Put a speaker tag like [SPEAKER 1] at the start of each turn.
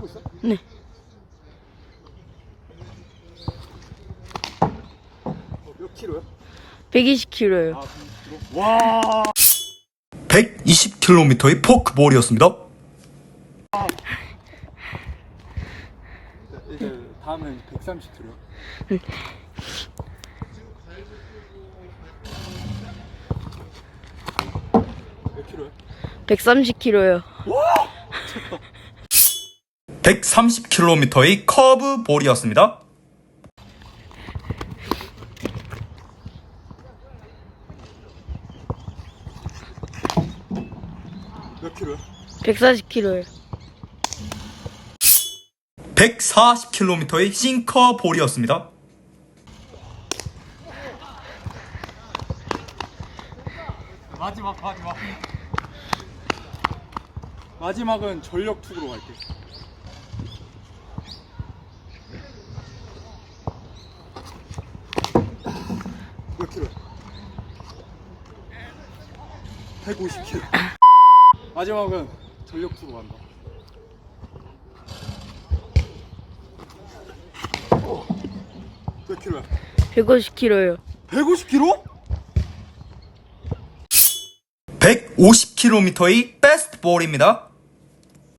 [SPEAKER 1] 치고 있어?
[SPEAKER 2] 네.
[SPEAKER 1] 몇 킬로야?
[SPEAKER 2] 120kg요.
[SPEAKER 1] 아, 120kg? 와.
[SPEAKER 3] 120km의 포크볼이었습니다.
[SPEAKER 1] 이제 다음은 130kg. 몇 킬로야?
[SPEAKER 2] 130kg요.
[SPEAKER 3] 130km의 커브볼이었습니다.
[SPEAKER 1] 몇 킬로야?
[SPEAKER 2] 140kg요.
[SPEAKER 3] 140km의 싱커볼이었습니다.
[SPEAKER 1] 마지막. 마지막은 전력 투구로 갈게. 몇 킬로야? 150kg. 마지막은 전력 투구 간다. 몇 킬로야?
[SPEAKER 2] 150kg요.
[SPEAKER 1] 150kg?
[SPEAKER 3] 150km의 패스트볼입니다.